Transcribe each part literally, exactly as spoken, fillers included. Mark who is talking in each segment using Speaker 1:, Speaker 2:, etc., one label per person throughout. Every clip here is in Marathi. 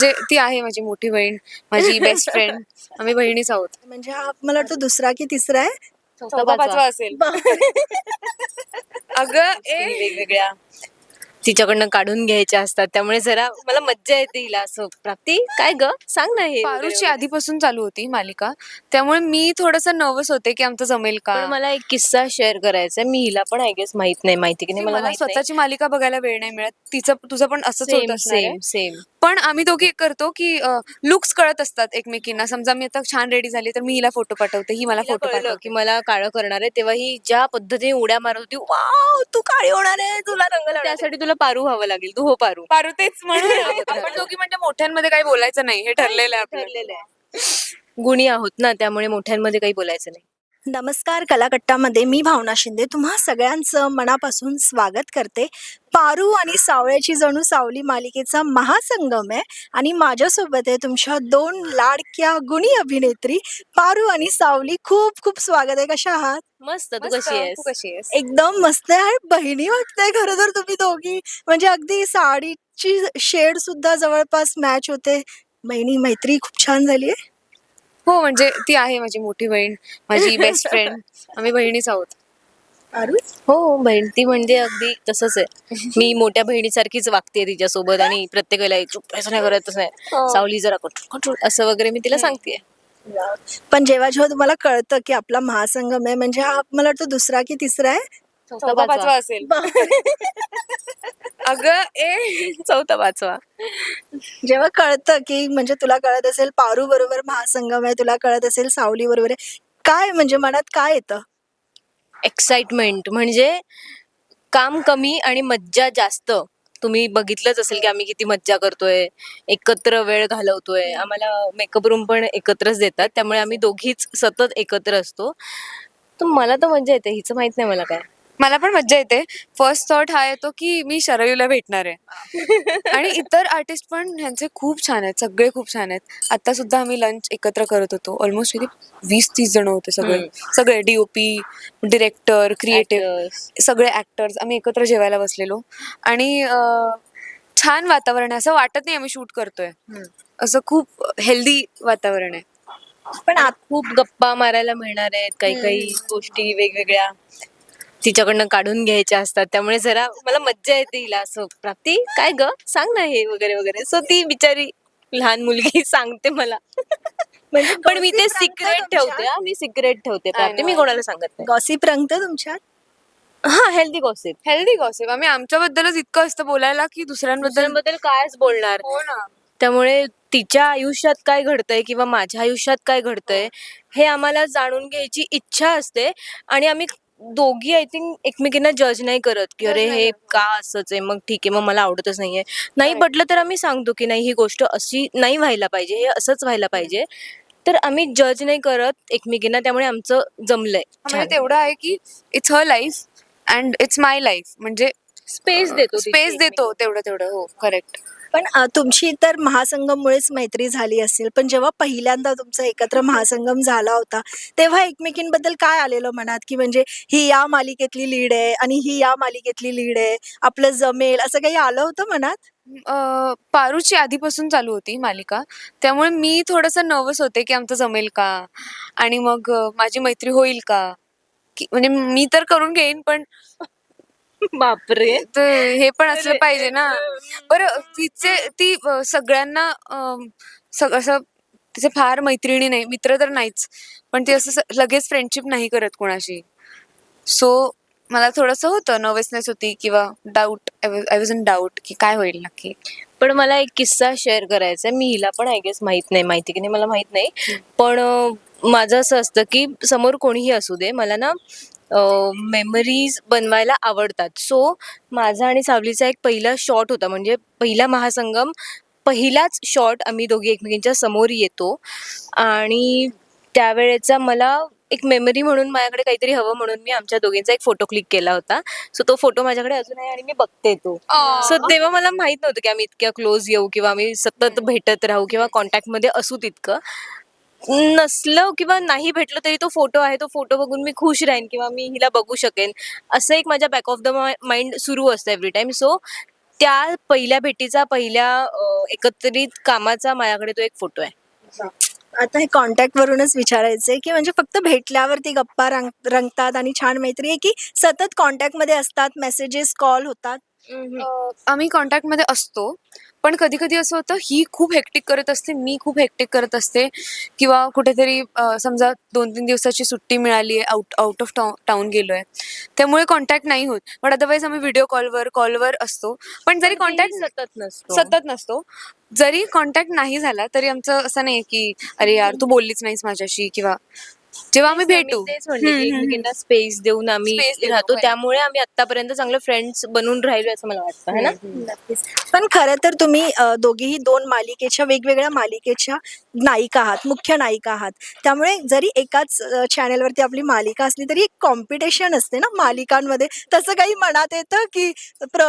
Speaker 1: म्हणजे ती आहे माझी मोठी बहीण, माझी बेस्ट फ्रेंड. आम्ही बहिणीच आहोत.
Speaker 2: म्हणजे हा मला वाटतं दुसरा की तिसरा आहे?
Speaker 1: चौथा पाचवा असेल. अगं ए
Speaker 3: वेगवेगळ्या तिच्याकडनं काढून घ्यायच्या असतात, त्यामुळे जरा मला मज्जा येते हिला असं. प्राप्ती काय ग सांग ना हे वगैरे
Speaker 1: पारूची
Speaker 3: वगैरे.
Speaker 1: आधीपासून चालू होती मालिका, त्यामुळे मी थोडंसं नर्वस होते की आमचं जमेल का.
Speaker 3: पण मला एक किस्सा शेअर करायचा आहे. मी हिला पण आय गेस माहित नाही, माहिती की नाही मला
Speaker 1: मला
Speaker 3: माहित नाही.
Speaker 1: स्वतःची मालिका बघायला वेळ नाही मिळत. तिचं तुझं पण असंच होत
Speaker 3: सेम
Speaker 1: असणार आहे.
Speaker 3: सेम सेम
Speaker 1: पण आम्ही दोघी एक करतो की लुक्स कळत असतात एकमेकींना. समजा मी आता छान रेडी झाली तर मी हिला फोटो पाठवते, ही मला फोटो
Speaker 3: कळलं
Speaker 1: पाठवते.
Speaker 3: की मला काळं करणार आहे, तेव्हा ही ज्या पद्धतीने उड्या मारत होती, वाव तू काळी होणार आहे, तुला रंग लावणार आहे. त्यासाठी तुला पारू व्हावं लागेल. तू हो पारू.
Speaker 1: पारू तेच म्हणून आपण दोघी म्हणजे मोठ्यांमध्ये काही बोलायचं नाही, हे ठरलेलं आहे आपलं.
Speaker 3: ठरलेलं आहे. गुणी आहोत ना, त्यामुळे मोठ्यांमध्ये काही बोलायचं नाही.
Speaker 2: नमस्कार, कलाकट्टामध्ये मी भावना शिंदे तुम्हा सगळ्यांचं मनापासून स्वागत करते. पारू आणि सावळ्याची जणू सावली मालिकेचा महासंगम आहे आणि माझ्यासोबत आहे तुमच्या दोन लाडक्या गुणी अभिनेत्री पारू आणि सावली. खूप खूप स्वागत आहे. कशा आहात?
Speaker 3: मस्त. तू
Speaker 1: मस्त.
Speaker 3: कशी आहेस?
Speaker 1: तू कशी आहेस?
Speaker 2: एकदम मस्त आहे. बहिणी वाटतंय खरं तर तुम्ही दोघी. म्हणजे अगदी साडीची शेड सुद्धा जवळपास मॅच होते. बहिणी मैत्री खूप छान झाली आहे.
Speaker 1: हो, म्हणजे ती आहे माझी मोठी बहीण, माझी बेस्ट फ्रेंड. आम्ही बहिणीच आहोत.
Speaker 2: पारू
Speaker 3: हो, बहीण ती म्हणजे अगदी तसंच आहे. मी मोठ्या बहिणीसारखीच वागते तिच्यासोबत आणि प्रत्येक वेळेला चुप असं नाही करत, तसं नाही सावली जरा कंट्रोल कंट्रोल असं वगैरे मी तिला सांगते.
Speaker 2: पण जेव्हा जेव्हा तुम्हाला कळतं की आपला महासंगम आहे, म्हणजे हा मला वाटतं दुसरा की तिसरा आहे?
Speaker 1: चौथा पाचवा असेल. अगं ए
Speaker 3: चौथा पाचवा.
Speaker 2: जेव्हा कळतं की म्हणजे तुला कळत असेल पारू बरोबर महासंगम आहे, तुला कळत असेल सावली बरोबर आहे, काय म्हणजे मनात काय येतं?
Speaker 3: एक्साइटमेंट म्हणजे काम कमी आणि मज्जा जास्त. तुम्ही बघितलंच असेल की आम्ही किती मज्जा करतोय, एकत्र वेळ घालवतोय. आम्हाला मेकअप रूम पण एकत्रच देतात, त्यामुळे आम्ही दोघीच सतत एकत्र असतो. तर मला तर मज्जा येते. हिचं माहित नाही मला काय.
Speaker 1: मला पण मज्जा येते. फर्स्ट थॉट हा येतो की मी शरयूला भेटणार आहे. आणि इतर आर्टिस्ट पण ह्यांचे खूप छान आहेत, सगळे खूप छान आहेत. आता सुद्धा आम्ही लंच एकत्र करत होतो. ऑलमोस्ट किती वीस तीस जण होते सगळे. सगळे डीओपी, डिरेक्टर, क्रिएटिव्ह, सगळे ऍक्टर्स आम्ही एकत्र जेवायला बसलेलो. आणि अं, छान वातावरण आहे. असं वाटत नाही आम्ही शूट करतोय. असं खूप हेल्दी वातावरण आहे.
Speaker 3: पण आत खूप गप्पा मारायला मिळणार आहेत, काही काही गोष्टी वेगवेगळ्या तिच्याकडनं काढून घ्यायच्या असतात, त्यामुळे जरा मला मज्जा येते हिला असं. प्राप्ती काय ग सांग ना हे वगैरे वगैरे. सो ती बिचारी लहान मुलगी सांगते मला.
Speaker 2: म्हणजे
Speaker 3: पण मी ते
Speaker 2: gossip
Speaker 3: सिक्रेट
Speaker 2: रंगतं
Speaker 3: ठेवते.
Speaker 2: तुमच्यात?
Speaker 3: हा, मी सिक्रेट ठेवते प्राप्ती, मी कोणाला सांगत नाही.
Speaker 2: गॉसिप रंगतं तुमच्यात?
Speaker 3: हा, हेल्दी गॉसिप.
Speaker 1: Healthy gossip. आम्ही आमच्याबद्दलच इतकं असतं बोलायला की दुसऱ्यांबद्दल
Speaker 3: दुसऱ्यांबद्दल कायच बोलणार.
Speaker 1: हो ना.
Speaker 3: त्यामुळे तिच्या आयुष्यात काय घडतंय किंवा माझ्या आयुष्यात काय घडतंय हे आम्हाला जाणून घ्यायची इच्छा असते. आणि आम्ही दोघी आय थिंक एकमेकींना जज नाही करत की अरे हे का असंच आहे, मग ठीक आहे, मग मला आवडतच नाहीये. नाही पटलं तर आम्ही सांगतो की नाही ही गोष्ट अशी नाही व्हायला पाहिजे, हे असंच व्हायला पाहिजे. तर आम्ही जज नाही करत एकमेकींना, त्यामुळे आमचं जमलंय.
Speaker 1: म्हणजे तेवढं आहे की it's her life and it's my life. म्हणजे
Speaker 3: स्पेस देतो
Speaker 1: स्पेस देतो तेवढं तेवढं. हो, करेक्ट.
Speaker 2: पण अ, तुमची तर महासंगममुळेच मैत्री झाली असेल, पण जेव्हा पहिल्यांदा तुमचा एकत्र महासंगम झाला होता तेव्हा एकमेकींबद्दल काय आलेलं मनात, की म्हणजे ही या मालिकेतली लीड आहे आणि ही या मालिकेतली लीड आहे, आपलं जमेल, असं काही आलं होतं मनात?
Speaker 1: अं, पारूची आधीपासून चालू होती मालिका, त्यामुळे मी थोडंसं नर्वस होते की आमचं जमेल का आणि मग अं, माझी मैत्री होईल का. की म्हणजे मी तर करून घेईन, पण
Speaker 3: बापरे.
Speaker 1: ते हे पण असलं पाहिजे ना. बरं, तिचे ती अं, सगळ्यांना अं, सग- असं तिचे फार मैत्रिणी नाही, मित्र तर नाहीच, पण ती असं स- लगेच फ्रेंडशिप नाही करत कोणाशी. सो मला थोडंसं होतं, नर्वसनेस होती किंवा doubt. I was in doubt की काय होईल नक्की.
Speaker 3: पण मला एक किस्सा शेअर करायचा आहे. मी हिला पण आय गेस माहित नाही, माहिती की नाही मला माहित नाही. पण अं, माझं असं असतं की समोर कोणीही असू दे, मला ना मेमरीज बनवायला आवडतात. सो माझा आणि सावलीचा एक पहिला शॉट होता, म्हणजे पहिला महासंगम, पहिलाच शॉट आम्ही दोघी एकमेकींच्या समोर येतो. आणि त्यावेळेचा मला एक मेमरी म्हणून माझ्याकडे काहीतरी हवं, म्हणून मी आमच्या दोघींचा एक फोटो क्लिक केला होता. सो तो फोटो माझ्याकडे अजून आहे आणि मी बघते तो. सो तेव्हा मला माहित नव्हतं की आम्ही इतक्या क्लोज येऊ किंवा आम्ही सतत भेटत राहू किंवा कॉन्टॅक्टमध्ये असू. तितकं नसलं किंवा नाही भेटलं तरी तो फोटो आहे, तो फोटो बघून मी खुश राहीन किंवा मी हिला बघू शकेन, असं एक माझ्या बॅक ऑफ द माइंड सुरू असतं एव्हरी टाइम. सो त्या पहिल्या भेटीचा पहिल्या अं, एकत्रित कामाचा माझ्याकडे तो एक फोटो आहे.
Speaker 2: आता हे कॉन्टॅक्ट वरूनच विचारायचंय की म्हणजे फक्त भेटल्यावरती गप्पा रंग रंगतात आणि छान मैत्री आहे की सतत कॉन्टॅक्ट मध्ये असतात, मेसेजेस कॉल होतात?
Speaker 1: अ, आम्ही कॉन्टॅक्टमध्ये असतो, पण कधी कधी असं होतं ही खूप हेक्टिक करत असते, मी खूप हेक्टिक करत असते, किंवा कुठेतरी अ, समजा दोन तीन दिवसाची सुट्टी मिळाली आहे, out out of town town गेलो आहे, त्यामुळे कॉन्टॅक्ट नाही होत. पण अदरवाईज आम्ही व्हिडिओ कॉलवर कॉलवर असतो. पण जरी
Speaker 3: पण तेही
Speaker 1: कॉन्टॅक्ट
Speaker 3: सतत नसतो.
Speaker 1: सतत नसतो, जरी कॉन्टॅक्ट नाही झाला तरी आमचं असं नाही की अरे यार तू बोललीच नाहीस माझ्याशी, किंवा जेव्हा आम्ही
Speaker 3: तेच ना, मी
Speaker 1: भेटू
Speaker 3: तेच म्हणले की
Speaker 1: हम्म, हम्म, हम्म.
Speaker 3: एकमेकींना स्पेस देऊन आम्ही
Speaker 1: Space देतो,
Speaker 3: राहतो,
Speaker 1: correct.
Speaker 3: त्यामुळे आम्ही आतापर्यंत चांगले फ्रेंड्स बनून राहिलो असं मला वाटतं, है ना.
Speaker 2: नक्कीच. पण खरं तर तुम्ही अ, दोघीही दोन मालिकेच्या वेगवेगळ्या मालिकेच्या नायिका आहात, मुख्य नायिका आहात. त्यामुळे जरी एकाच अ, चॅनेलवरती आपली मालिका असली तरी एक कॉम्पिटिशन असते ना मालिकांमध्ये. तसं काही मनात येतं की प्र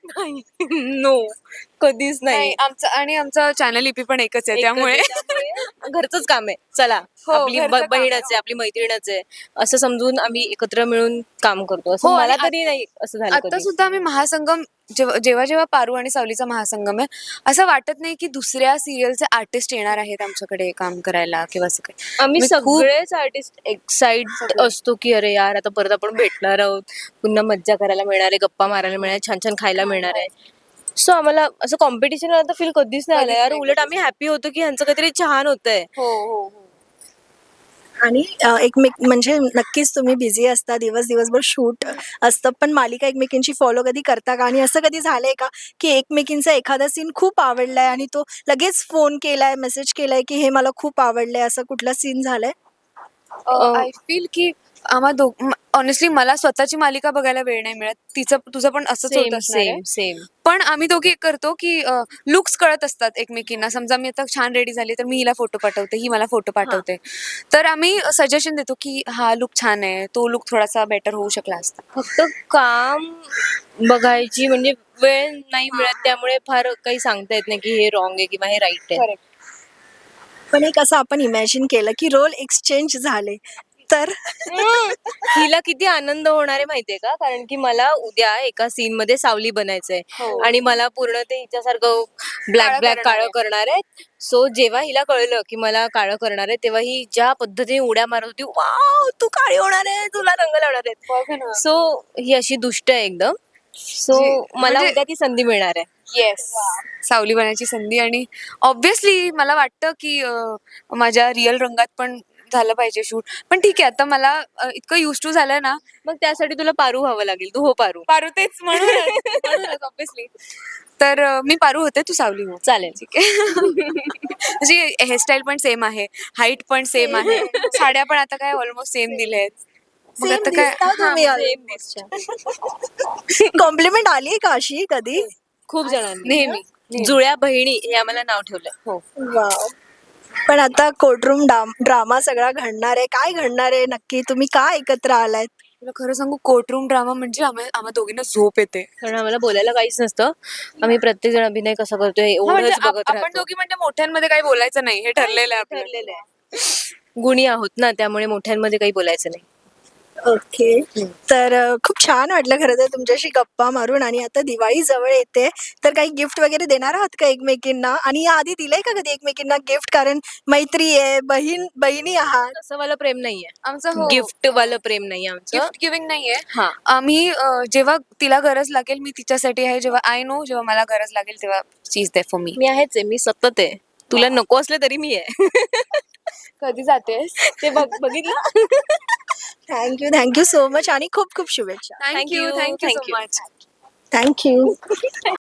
Speaker 3: नो, कधीच
Speaker 1: नाही
Speaker 3: नाही.
Speaker 1: आमचं आणि आमचं चॅनल ईपी पण एकच आहे,
Speaker 3: एकच
Speaker 1: त्यामुळे
Speaker 3: आहे, त्यामुळे घरचंच काम आहे, चला
Speaker 1: हो,
Speaker 3: आपली
Speaker 1: घरचं
Speaker 3: ब-
Speaker 1: काम आहे.
Speaker 3: बहीणच आहे, आपली मैत्रीणच आहे असं समजून आम्ही एकत्र मिळून काम करतो. असं
Speaker 1: हो, आणि
Speaker 3: मला
Speaker 1: आत-
Speaker 3: तरी नाही असं झालं
Speaker 1: आता
Speaker 3: कधी.
Speaker 1: सुद्धा आम्ही महासंगम जेव्हा जेव्हा जेव्हा पारू आणि सावलीचा महासंगम आहे, असं वाटत नाही की दुसऱ्या सिरियलचे आर्टिस्ट येणार आहेत आमच्याकडे काम करायला किंवा असं काही.
Speaker 3: आम्ही
Speaker 1: मी खूप
Speaker 3: सगळेच आर्टिस्ट एक्साइट असतो की अरे यार आता परत आपण भेटणार आहोत, पुन्हा मज्जा करायला मिळणार आहे, गप्पा मारायला मिळणार आहे, छान छान खायला मिळणार आहे. सो आम्हाला असं कॉम्पिटिशन आता फील कधीच नाही आलं
Speaker 1: कधीच
Speaker 3: यार.
Speaker 1: नाही,
Speaker 3: उलट
Speaker 1: कधीच
Speaker 3: आम्ही हॅपी होतो की ह्यांचं काहीतरी छान होतंय.
Speaker 1: हो हो हो
Speaker 2: आणि अ, एकमेक म्हणजे नक्कीच तुम्ही बिझी असता, दिवस दिवसभर शूट असतं, पण मालिका एकमेकींची फॉलो कधी करता का? आणि असं कधी झालंय का की एकमेकींचा एखादा सीन खूप आवडलाय आणि तो लगेच फोन केलाय, मेसेज केलाय की हे मला खूप आवडलंय, असं कुठला सीन झालाय?
Speaker 3: अ,
Speaker 1: आय फील की आम्हा दोघ ऑनेस्टली मला स्वतःची मालिका बघायला वेळ नाही मिळत, तिचं तुझं पण असंच होत
Speaker 3: सेम
Speaker 1: असणार आहे.
Speaker 3: Same same.
Speaker 1: पण आम्ही दोघी एक करतो की लुक्स कळत असतात एकमेकींना. समजा मी आता छान रेडी झाली तर मी हिला फोटो पाठवते, ही मला फोटो पाठवते, तर आम्ही सजेशन देतो की हा लुक छान आहे, तो लुक थोडासा बेटर होऊ शकला असता.
Speaker 3: फक्त काम बघायची म्हणजे वेळ नाही मिळत, त्यामुळे फार काही सांगता येत नाही की हे रॉंग आहे किंवा हे राईट आहे.
Speaker 1: करेक्ट.
Speaker 2: पण एक असं आपण इमॅजिन केलं की रोल एक्सचेंज झाले तर
Speaker 3: हम्म. हिला किती आनंद होणार आहे माहितीये का, कारण की मला उद्या एका सीन मध्ये सावली बनायचंय
Speaker 1: हो.
Speaker 3: आणि मला पूर्ण ते हिच्यासारखं ब्लॅक
Speaker 1: काळं
Speaker 3: ब्लॅक
Speaker 1: करणार
Speaker 3: काळं
Speaker 1: आहे.
Speaker 3: करणार आहे. सो जेव्हा हिला कळलं की मला काळं करणार आहे, तेव्हा ही ज्या पद्धतीने उड्या मारत होती, वाव तू काळी होणार आहे, तुला रंग लावणार आहेत.
Speaker 1: बघ ना.
Speaker 3: सो ही अशी दुष्ट आहे एकदम. सो
Speaker 1: जी-
Speaker 3: मला
Speaker 1: म्हणजे-
Speaker 3: उद्या ती संधी मिळणार आहे.
Speaker 1: येस, सावली बनायची संधी. आणि ऑब्विसली मला वाटतं की अं, माझ्या रिअल रंगात पण झालं पाहिजे शूट. पण ठीक आहे, आता मला अं, इतकं युज टू झालंय ना.
Speaker 3: मग त्यासाठी तुला पारू व्हावं लागेल. तू हो पारू.
Speaker 1: पारू तेच म्हणूनच ऑब्विसली. तर अं, मी पारू होते, तू सावली हो.
Speaker 3: चालेल.
Speaker 1: ठीक आहे. म्हणजे हेअरस्टाईल पण सेम आहे, हाईट पण सेम आहे, साड्या पण आता काय ऑलमोस्ट सेम दिल्यात. मग
Speaker 2: Same
Speaker 1: आता काय
Speaker 2: दिसता तुम्ही
Speaker 1: हा,
Speaker 2: आज.
Speaker 3: Same दिसच्या.
Speaker 2: कॉम्प्लिमेंट आली का अशी कधी?
Speaker 3: खूप जणांनी
Speaker 1: नेहमी नेहमी.
Speaker 3: जुळ्या बहिणी हे आम्हाला नाव ठेवलं.
Speaker 1: हो.
Speaker 2: वाव. पण आता कोर्टरूम ड्रामा सगळा घडणार आहे. काय घडणार आहे नक्की? तुम्ही का एकत्र आलायत?
Speaker 1: तुला खरं सांगू, कोर्टरूम ड्रामा म्हणजे आम्हा आम्हा दोघींना झोप येते.
Speaker 3: कारण आम्हाला बोलायला काहीच नसतं. आम्ही प्रत्येक जण अभिनय कसा करतोय
Speaker 1: हा, म्हणजे
Speaker 3: एवढंच
Speaker 1: आप-
Speaker 3: बघत
Speaker 1: आपण
Speaker 3: राहतो.
Speaker 1: दोघी म्हणजे मोठ्यांमध्ये काही बोलायचं नाही, हे ठरलेलं आहे आपलं.
Speaker 3: ठरलेलं आहे. गुणी आहोत ना, त्यामुळे मोठ्यांमध्ये काही बोलायचं नाही.
Speaker 2: ओके. तर अ, खूप छान वाटलं खरं तर तुमच्याशी गप्पा मारून. आणि आता दिवाळी जवळ येते, तर काही गिफ्ट वगैरे देणार आहात का एकमेकींना? आणि या आधी दिलंय का कधी एकमेकींना गिफ्ट? कारण मैत्री आहे, बहीण बहिणी आहात.
Speaker 3: तसं वाला प्रेम नाहीये.
Speaker 1: आमचं हो,
Speaker 3: गिफ्ट वालं प्रेम नाहीये आमचं.
Speaker 1: गिफ्ट गिव्हिंग नाहीये.
Speaker 3: हा.
Speaker 1: आम्ही अं, जेव्हा तिला गरज लागेल मी तिच्यासाठी आहे, जेव्हा आय नो जेव्हा मला गरज लागेल तेव्हा she is there for me.
Speaker 3: मी आहेच आहे, मी सतत आहे. तुला नको असले तरी मी आहे.
Speaker 1: कधी जातेस?
Speaker 3: ते बघ बघितलं.
Speaker 2: थँक्यू थँक्यू सो मच आणि खूप खूप शुभेच्छा.
Speaker 1: Thank you
Speaker 3: Thank you,
Speaker 1: thank you
Speaker 3: thank
Speaker 1: so
Speaker 3: you.
Speaker 1: Much.
Speaker 2: Thank you.